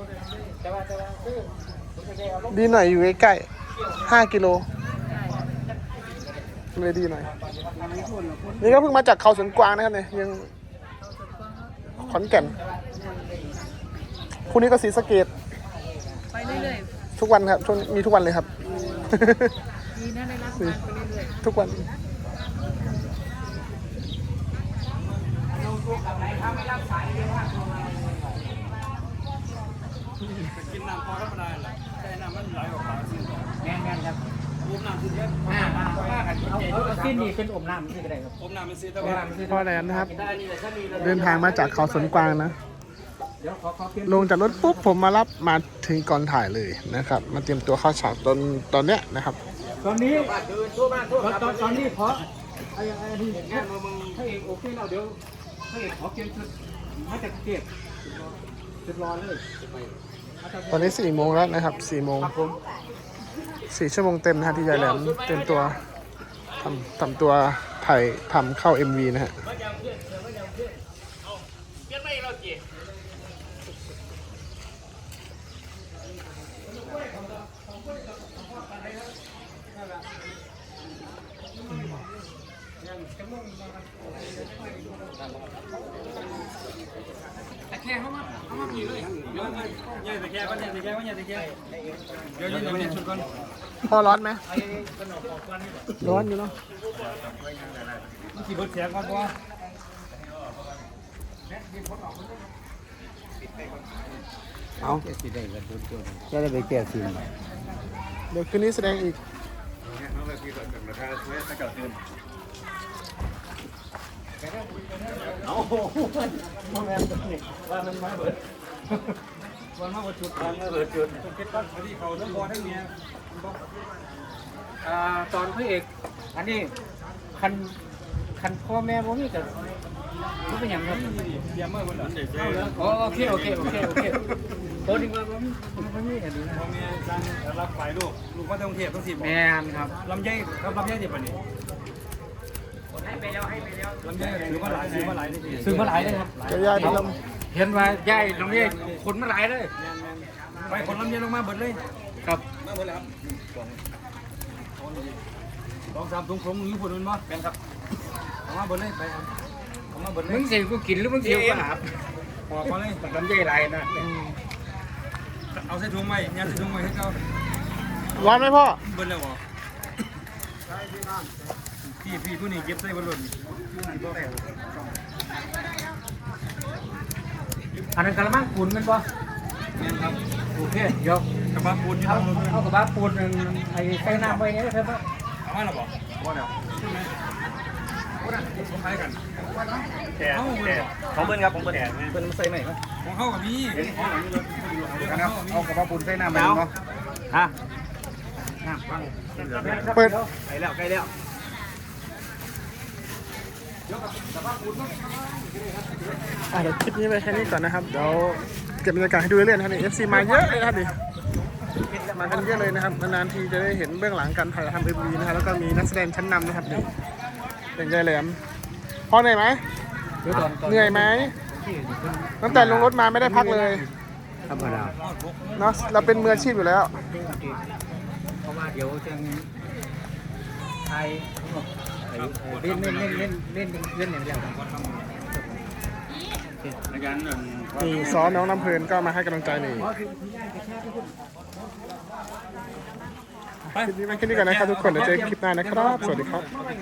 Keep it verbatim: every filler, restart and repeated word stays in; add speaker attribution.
Speaker 1: แต่ว่าแต่ว่าคือผมจะได้เอาลง
Speaker 2: ดีหน่อยอยู่ใกล้ๆห้ากิโลเลยดีหน่อย นี่ก็เพิ่งมาจากเขาสวนกวางนะครับเนี่ยยังขอนแก่นพรุ่งนี้ก็ศรีสะเกษ
Speaker 3: ไปเรื่อย
Speaker 2: ทุกวันครับช่วงมีทุกวันเลยครับ
Speaker 3: ๆดีนะได้รับงานไปเรื่อย
Speaker 2: ทุกวัน
Speaker 4: กินน้ำพอธรรมดาแหละแต่น้ำมันไหลออกมาสิ
Speaker 1: แม่นแม่นครับ
Speaker 4: อมน้ำสิเยอะ
Speaker 1: อ่ามาว่ากันเอาเอาเอาสิ้นนี่เป็นอมน้ำนี่ก็ได้ครับ
Speaker 4: อมน้ำมันสิแต่
Speaker 1: อม
Speaker 4: ว่า
Speaker 1: น้ำคือ
Speaker 2: พ่อแหลมนะครับ
Speaker 1: ได้นี่แหละถ้ามี
Speaker 2: เดินทางมาจากเขาสวนกวางนะ
Speaker 1: เดี๋ยวขอขอเปลี่ยน
Speaker 2: ลงจากรถปุ๊บผมมารับมาถึงก่อนถ่ายเลยนะครับ มาเตรียมตัวเข้าฉากตอนตอนเนี้ยนะครับ
Speaker 1: ตอนนี้ตอนตอนตอนนี้เพราะไอ้ไอ้ที่งานมึงถ้าเอกโอเคเราเดี๋ยวถ้าเอกขอเปลี่ยนชุดมาจากเก็บชุดรอเลย
Speaker 2: ตอนนี้สี่โมงแล้วนะครับสี่โมง
Speaker 1: ครับผม
Speaker 2: สี่ชั่วโมงเต็มนะฮะที่ยายแหลมเต็มตัวทำทำตัวถ่ายทำเข้า เอ็ม วี นะฮะ
Speaker 1: แต่แค่เขามาเขามาผีเลย
Speaker 4: เดี๋ยวเนี่ยแต่แค่ก็เนี่ยแต่แค่ก็เนี่ยแต่แค่เดี๋ยวยืนตรงนี้ชุดก่อน
Speaker 2: พ่อร้อนไหมร้อนอยู่เนาะ
Speaker 4: มันขี่รถแข็งก่อนเพราะว่า
Speaker 5: เอาจะได้ไปแก้สิน
Speaker 2: เดี๋ยวคืนนี้แสดงอีก
Speaker 4: เอาว่ามันมาเบิดวันมาเบิดจุดวันมาเบิดจุดต้องเก็บตั้งพอดีเขาทั้งบอทั้งเมีย
Speaker 1: อ่าตอนพระเอกอันนี้คันคันพ่อแม่ผมนี่จะรู้เป็นอย่างไร
Speaker 4: เยี่ยมมากคนละ
Speaker 1: อ๋อโอเคโอเคโอเคโอเคโอ้ดีว่าผมผมนี่กันดีนะ
Speaker 4: พ่อแม่สั่งรับฝ่ายลูกลูกมาต้องเทียบต้องสิบ
Speaker 1: แม่นครับ
Speaker 4: ลำไยครับลำไยดิบอันนี้
Speaker 1: ให้ไปแล้วให้ไปแล้ว
Speaker 4: ลำไยซื้อมาหลายซื้อมาหลายนี่
Speaker 1: ซื้อมาหลายเลยครับ
Speaker 2: จะย่าที่ล
Speaker 1: เห็นว่าย่ายตรงนี้คนมาหลายเลย
Speaker 4: ไปคนลำไยลงมาเบิดเลย
Speaker 1: ครับ
Speaker 4: มาเบิดแล้วครับสองสามถุงถุงอยู่ผลมันมั้งเป็นครับเอามาเบิดเลยไปครับเอามาเบิดเล
Speaker 1: มึ
Speaker 4: ย
Speaker 1: งเสียกูกินหรือมึงเสียกูหาบ
Speaker 4: ปอกมาเลย
Speaker 1: ลำไยหลายนะ
Speaker 4: เอาใส่ถุงไว้ยัดใส่ถุงไว้ให้เขา
Speaker 2: ำร้อนไหมพ่อ
Speaker 4: เบิดแล้วเหรอพี่พี่ผู้นี้เก็บใส่บนรถ
Speaker 1: อันนั้นกระมังปูนมันปะ
Speaker 4: เนี่ยครับ
Speaker 1: โอเคเดี๋ยว
Speaker 4: กระบะปูนที่
Speaker 1: เอา
Speaker 4: ทำรถ
Speaker 1: เอากระบะปูนไอ้ใส่น้ำไว้เนี่ยครับ
Speaker 4: เอามาแล้วบอกว่าแล้วใช่ไหมของใครกันแต่แต่ของเบิ้ลครับของเบิ้ลเบิ้ลมาใส่ไหนครับของเขากับพี่เอากระบะปูนใส่น้ำไปเนาะฮะน้ำฟัง
Speaker 2: เปิด
Speaker 4: ใกล้แล้วใกล้แล้ว
Speaker 2: อ่ะเดี๋ยวคลิปนี้ไปแค่นี้ก่อนนะครับ เดี๋ยวเก็บบรรยากาศให้ดูเรื่อยๆนะครับนี่ เอฟ ซี มาเยอะเลยนะครับดิมากันเยอะเลยนะครับนานๆทีจะได้เห็นเบื้องหลังการถ่ายทำ เอ็ม วี นะครับแล้วก็มีนักแสดงชั้นนำนะครับนี่เป็นยายแหลมพ่อเหนื่อยไหมเหนื่อยไหมตั้งแต่ลงรถมาไม่ได้พักเลย
Speaker 5: ธรรมดา
Speaker 2: เนาะเราเป็นมืออาชีพอยู่แล้ว
Speaker 1: เพราะว่าเดี๋ยวจะไทยเล่นเล่นเล่นเล่นเล่นเล่นอย่างเดียว
Speaker 4: ในการ
Speaker 2: นี่ซ้อมน้องน้ำเพลินก็มาให้กำลังใจนี่คลิปนี้ไปแค่นี้ก่อนนะครับทุกคนเดี๋ยวเจอกันคลิปหน้านะครับ สวัสดีครับ